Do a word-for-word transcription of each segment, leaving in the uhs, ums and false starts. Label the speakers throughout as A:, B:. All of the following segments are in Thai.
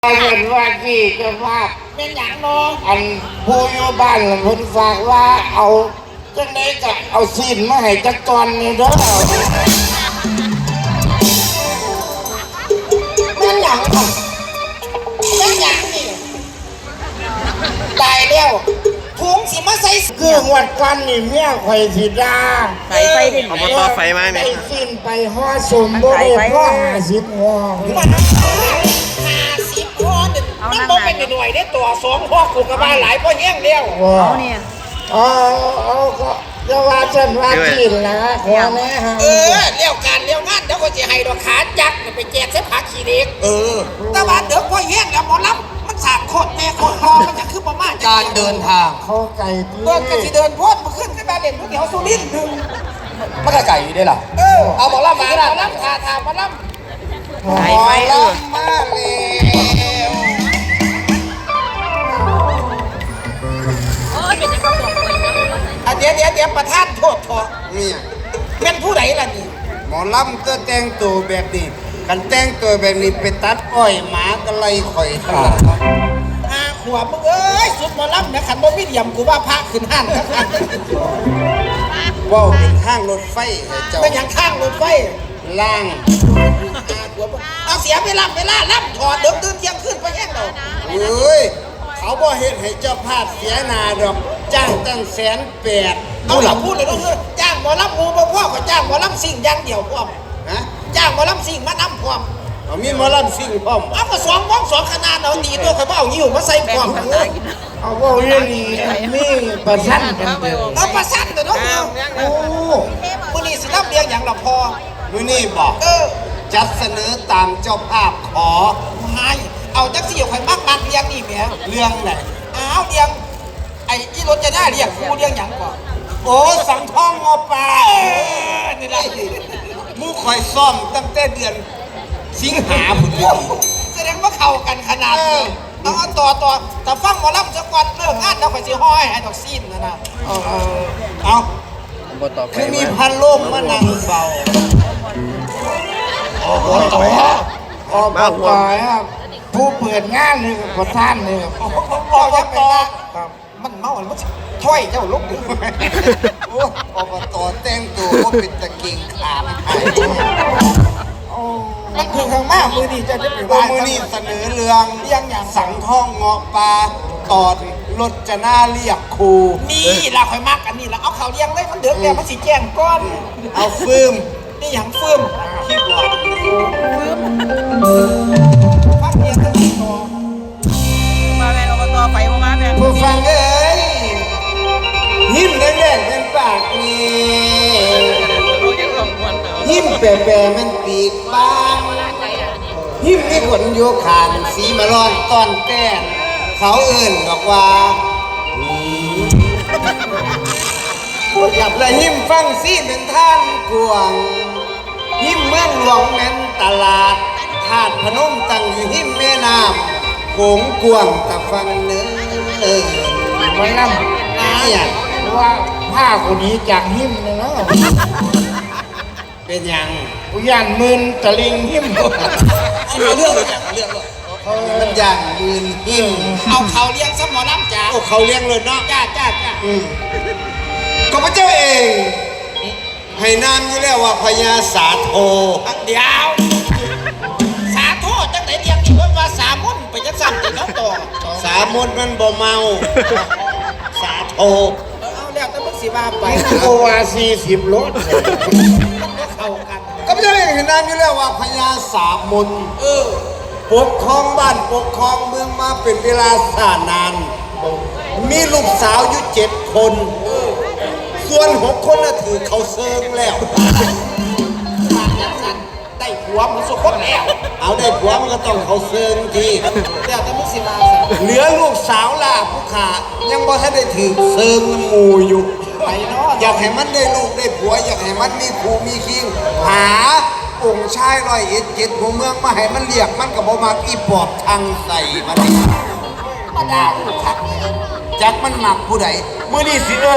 A: เห็นว่าที่เจ้าภาพ
B: เป็นอย่างน้อง
A: อันผู้อยู่บ้านเพิ่นฝากว่าเอาจังได๋ก็เอาซีนมาให้จักตอนนี่เด้อ
B: เป็นอย่างเป็นอย่างนี่ตายแล้วถุงสิมาใส่
A: คือหวัดกันนี่เมียข่อยสิด่า
C: ไฟไฟดิเอามาต่อไฟมาเนี่ย
A: ไปซีนไปห่อสมบ่ได้ห่อห้าสิบห่อ
B: มันห้าสิบห่อนึงมันบ่เป็นหน่วยได้ตัวสองห่อกูก็ว่าหลายบ่แห้งแล้ว
C: เอาเนี่ย
A: อ๋อเอาก็จะว่าฉันว่าจีนนะขอแน่ฮะ
B: เออเลี้ยวการเลี้ยวงานเดี๋ยวก็จะให้ดอกขาจักไปแจกเส้นผักขี้เด็กเออแต่ว่าเดี๋ยวพอแห้งแล้วหมอลำมันสากโคตรแม่โคตรพอมันจะคือประมาณ
D: การเดินทาง
A: เขาไก่
B: เดินกันที่เดินพ้นมาขึ้นขึ้นมาเด่นผู้เดียวสุรินทร์หนึ่ง
D: มันก็ไก่อยู่ได้หรอ
B: เออเอาหมอลำมาหมอลำทาทาหมอลำ
A: หมอลำมาแล้ว
B: เดี๋ยวเดี๋ยวเดี๋ยวประธานโทษทอ
D: นี่
B: เป็นผู้ใดล่ะนี่
D: หมอลำก็แต่งตัวแบบนี้กันแต่งตัวแบบนี้ไปตัดอ้อยหมาก็ไล่ข่อยทั้งหลัง
B: ห้าขวบมึงเอ้ยสุดหมอลำนะขันบ่มีเดียมกูว่าพระขึ้นห้านทั้งห้าน
D: ว่าวเป็นข้างรถไฟเจ้า
B: เป็นอย่างข้างรถไฟ
D: ล่าง
B: ห้าขวบเอาเสียเวลาเวลาล่ำถอดเดิมตื่นเที่ยงขึ้นไปแห้งเรา
D: เฮ้ยเขาบ่เห็นให้เจ้าพาดเสียนาดอกจ้างตั้งแสนแปด
B: เอาหลับพูดเลยต้องคือจ้างหมอลำงูบ่พ่อก็จ้างหมอลำสิ่งอย่างเดียวพร้อม
D: ฮะ
B: จ้างหมอลำสิ่งมาน้ำพร้อม
D: เอามีหมอลำสิ่งพร้อม
B: เอาก็สองวงสองขนาดเอาตีตัวเขาเอาหิ้วมาใส่พร้อม
A: เอาว่าเรื่องนี้มีประชันกันเดียว
B: เอาประชันแต่น้อง
A: โอ้
B: มือนี่สิรับเรียงอย่างละพอ
D: มือนี่บอก
B: เออ
D: จัดเสนอตามเจ้าภาพขอ
B: ให้เอาจักสี่ข่อยมักมักเรียงนี่แหม
D: เรื่องไหน
B: อ้าวเรียงไอ้ที่รถจะได้เรียกกูเรียงอย่างก่อน
D: โอ้สังทองงอปลา
B: นี่แหละ
D: มูคอยซ่อมตั้งแต่เดือนสิงหาคม
B: แสดงว่าเข้ากันขนาดนี้เอาต่อต่อแต่ฟังหมอลำสักวันเลิกงานแล้วข่อยสิห้อยให้ดอกซีนนะนะ
D: เอาเอาคือมีพันลมมานั่งเฝ้า
A: โอ้โหต่อออกมาต่อยครับผู้เปิดงานนี่ประธานนี่ครับ
B: ออกจากต่อมันเมามันถ้อยเจ้าลุกดิ
D: โอ้อบตแต่งตัวก็เป็นตะกิ่งขามไทย
B: มันคือข้างมากมือนี่จะได้ไปว่า
D: มือนี่เสนอเรื่อง
B: เรียงอย่าง
D: สังท่องเงาะปลาตอดรถจะน่าเรียกครู
B: นี่เราคอยมากกันนี่เราเอาเขาเรียงเลยมันเดือดแล้วมันสีแจ้งก้อน
D: เอาฟืม
B: นี่อย่างฟืม
D: คิดว่า
B: ฟืมฟังเรียงกันต่อ
C: มาแม่เอามาต่อไฟมาแม่
D: ผู้ฟังเอ้ยยิ้มแดงๆเป็นปากนี่ยิ้มแปรๆมันปีกบางยิ้มมีขนโยขานสีมะร้อนตอนแก้มเขาเอื่นบอกว่าอยากเลยยิ้มฟังซีเป็นท่านกวงยิ้มเมืองหลวงแม่นตลาดธาตุพนมตั้งอยู่หิมแม่น้ำโขงกวงตะฟังเนื้อ
A: ไม่นั่ง
D: เนี่ย
A: ว่าผ้าคนนี้จากหิมเลยนะ
D: เป็นยัง
A: อุยานมืนตะลิงหิม
B: เอาเรื่องอย่างเรื่อง
D: มันอย่างมืนหิม
B: เอาเขาเลี้ยงสมอน้ำจ่า
D: โอ้เขาเลี้ยงเลยเนาะ
B: จ้าจ้าจ้า
D: ก็พระเจ้าเองให้นามอยู่แล้วว่าพญาสาโท
B: เดี๋ยวสาโทจังไหนเรียงอีกว่าสามุนไปจังสั่นติน้องต่อ
D: สามุนมันบ่เมาสาโท
B: เอาแล้วแต่มึงสิว่าไป
A: โอวาซีสิบรถ
B: เข้ากัน
D: ก็พระเจ้าเองให้นามอยู่แล้วว่าพญาสามุน
B: เออ
D: ปกครองบ้านปกครองเมืองมาเป็นเวลาสานานมีลูกสาวอยู่เจ็ดคนส่วนหกคนน่ะถือเขาเซิงแล้ว
B: ได้ผัวมันสุขแล้ว
D: เอาได้ผัวมันก็ต้องเขาเซิงที
B: เดี๋ยวแต่มึงสิมา
D: เหลือลูกสาวล่ะผู้ขายังบ่ทันได้ถือเซิงหมู่อยู่
B: ไปเนาะ
D: อยากให้มันได้ลูกได้ผัวอยากให้มันมีครูมีคิงหาองค์ชายร้อยเอ็ดเจ็ดหัวเมืองมาให้มันเรียกมันกับบ่มักอีปอบทางใส่มัน
B: มาด่าทัก
D: จักมันหมักผู้ใด
A: เมื่อนี้สิเอิญ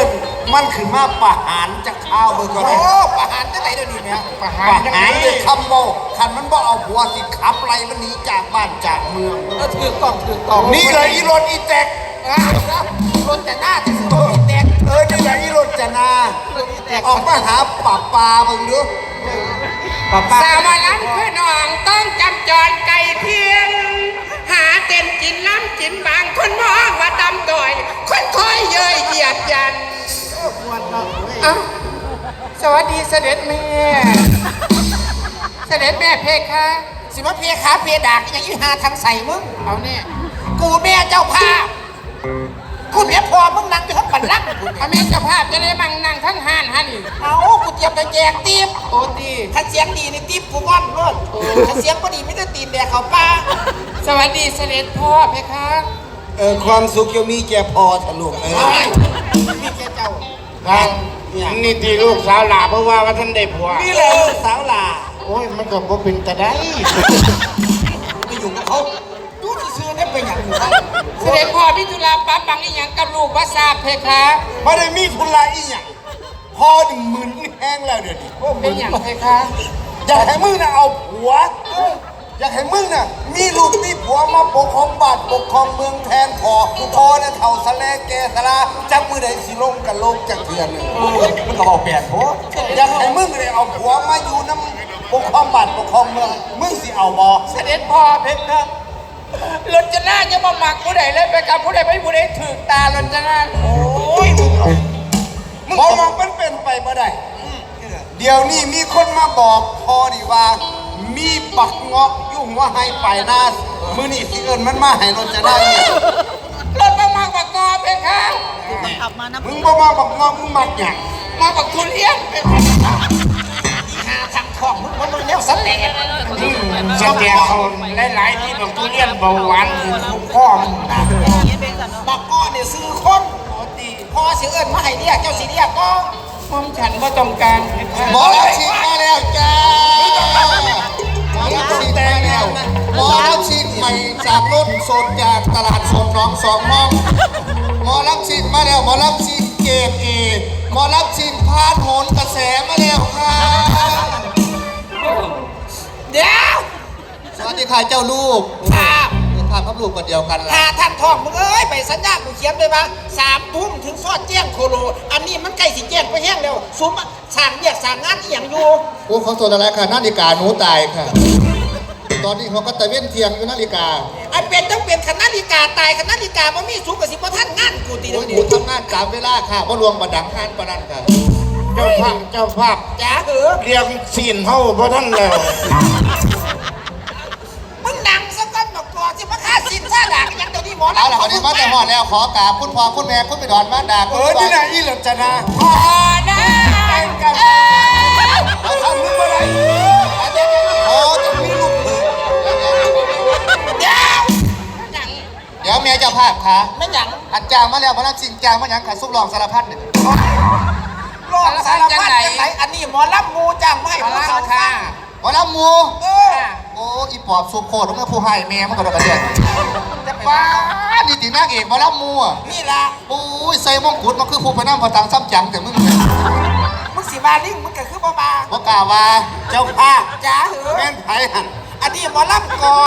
D: มันขึ้นมาประหารจากข้าวเบิ่งก่อน
B: โอ้
D: เลย
B: ประหารจังไหนเดี๋ยวนี้แม่ประหา
D: ป
B: ร
D: ระ
B: จังไหน
D: หารด้วยคำโมขันมันบ่เอาผัวสิขับไรมันหนีจากบ้านจากเมือง
B: เออถือกล่องถือกล่อง
D: นี่เลยอีรถอีแตก
B: อ่ะครับรถแต่หน้าจะซื้อรถอีแตก
D: เออนี่เลยอีรถจะนา
B: รถอีแตก
D: ออกมาหาป่าปลาเบิ่งดู
B: ป้าป้า
E: สาวมาล้ำคือน้องต้องจำจรไก่เทียมหาเต็มกินล้ำกินบางคนมองว่าดำดอย คนคอยเย้ยเหยียดยันเอ้าสวัสดีเสด็จแม่ เสด็จแม่เพคะ
B: สิมาเพขาเพดากอย่างนี้หาทางใส่มึง
E: เอาเนี่ย
B: กูแม่เจ้าภาพกูเมียพอมึงนั่งอยู่ทั้งบันลังก์
E: พระแม่เจ้าภาพจะได้บังนั่งทั้งห้านฮันนี่
B: เอากูเตรียมไปแจกติ๊บ
E: โอ้ดี
B: ถ้าเสียงดีนี่ติ๊บกูว่อนรถถ้าเสียงบ่ดีไม่ได้ตีนแดกเขาป้า
E: สวัสดีเสด็จพ่อเพคะ
D: เออความสุขยังมีแก่พอทะลุเออ
B: เอาไว้มีแกเจ้า
A: ครับนี่ที่ลูกสาวหลาเพราะว่าว่าท่านได้ผัว
D: นี่เลยลูกสาวหลา
A: โอ้ยมันก็บ่เป็นแต่ได้
B: ไปอยู่กับเขาดูซื่อๆเนี่ยเป็นอย่างนี้
E: เสด็จพ่อพิจุลาปั๊บบังอีหยังกับลูกว่าทราบเพคะ
D: ไม่ได้มีทุนลายอีหยังพอหนึ่งหมื่นแห้งแล้วเดี๋ยวนี้
E: เป็นอย่างเพคะ
D: อยากให้มึงน่ะเอาผัว อยากให้มึงน่ะมีลูกมีผัวมาปกครองบ้านปกครองเมืองแทนพอพอน่ะเท่าสะแลแกสะลาจักมือใดสิลงกับโลกจากเถื่อนเลยมันก็บอกแปดผัวอยากให้มึงเลยเอาผัวมาอยู่น้ำปกครองบ้านปกครองเมืองมึงสิเอาบ่
E: เสด็จพ่อเพคะรถจะน่าจะมาหมักผู้ใดเลยไปกับผู้ใดไม่ผู้ใดถือตารถจะน่า
D: โอ้ยมึงเอามองมองเป็นเป็นไปบ่ได้เดี๋ยวนี้มีคนมาบอกพอดีว่า มีบักเงาะยุ่งว่าให้ไปหน้ามือนี่สิเอิญมันมาให้รถจะได้เนี่ย
E: รถมาหมักบักกอเพคะ
D: มึงบ่มาบักเงาะมึงมักหยัง
E: มาบักทุเรียนเพคะ
B: หาทางของมึงมันแนวสแตก
A: สแกเขาหลายๆที่บอกทุเรียนเบาหวานคือทุกข้อมึงนะ
B: บักก้อเนี่ยซื้อคนพอสิเอิญมาให้เรียกเจ้าสิเรียกก็
E: มอมฉันว่าต้องการเพคะ
D: หมอรับฉีดมาแล้วจ้าหมอรับฉีดมาแล้วหมอรับฉีดใหม่จากรถโซนจากตลาดโซนหน้องสองมองหมอรับฉีดมาแล้วหมอรับฉีดเกรดเอหมอรับฉีดพาดโหนกระแสมาแล้วค่ะ
B: เดี๋ยว
D: สวัสดีค่ะเจ้าลูก
B: ครับ
D: ข้าพับลูกกันเดียวกันละ
B: หาทางทองมึงเอ้ยไปสัญญากูเขียนเลยว่าสามทุ่มถึงซอดแจ้งโคโลอันนี้มันใกล้สิแจ้งไปแห้งแล้วซุ้มสั่งเรียกสั่งงานอหย่างอยู่
D: โอ้เขาโซนอะไรค่ะนาฬิกาหนูตายค่ะ ตอนนี้เขาก็ตะเว้นเทียงอยู่นาฬิกา
B: ไอ้เป็นต้องเป็นคณะลิกาตายคณะลิกาบ่มีสูงกับสิบ่ท่านงานกูตี
D: โอ้
B: เดีย
D: ยว หนูทำงานตามเวลาค่ะว่าลวงประดังงานประดันค่ะ
A: เจ้าภาพเจ้าภาพ
B: จ๋าเหอะ
A: เรียงซีนเฮาเพราะท่านแล้ว
B: มึงดังซะก่อนบอกก่อนสิมาฆ่าสินซ่าด่ากันยังเดี๋ยวนี้หมอ
D: เอาล่ะวันนี้มาแต่หอดแล้วขอกราบคุณพ่อคุณแม่คุณไปดอนบ้านดาเออที่ไหนอีหลับจะนะ
E: พอนะเอ้ย
D: เอาทำนึกว่าไรโอ้จะมีลูกมือ
B: เดี๋ยว
D: เดี๋ยวเมียเจ้าภาพค่ะ
B: ไม่หยัง
D: อันจางมาแล้วพระรับจริงจางมาหยังขาซุปรองสารพัดเนี่ย
B: รอดสารพัดจังไหนอันนี้หมอลำงูจ้างไม่ให้ผู้สาวค่ะ
D: หมอลำมู
B: เออ
D: โอ้อีปอบซุปโคตรต้องเป็นผู้ให้แม่มันก็โดนกระเดียด
B: จะไป
D: ว้า
B: ว่า
D: นี่ตีนางเอกหมอลำมูอ่ะ
B: นี่ล่ะ
D: โอ้ยใส่มงกุฎมันคือผู้พนันพอตังซ้ำจังแต่มึงเนี่ย
B: มึงสิบาลิงมึงก็คือบ่บา
D: ว่ากล่าวว่าเจ้าภาพ
B: จ๋าเหอะ
D: แม่นไผ่หัน
B: อันนี้หมอลำก่อ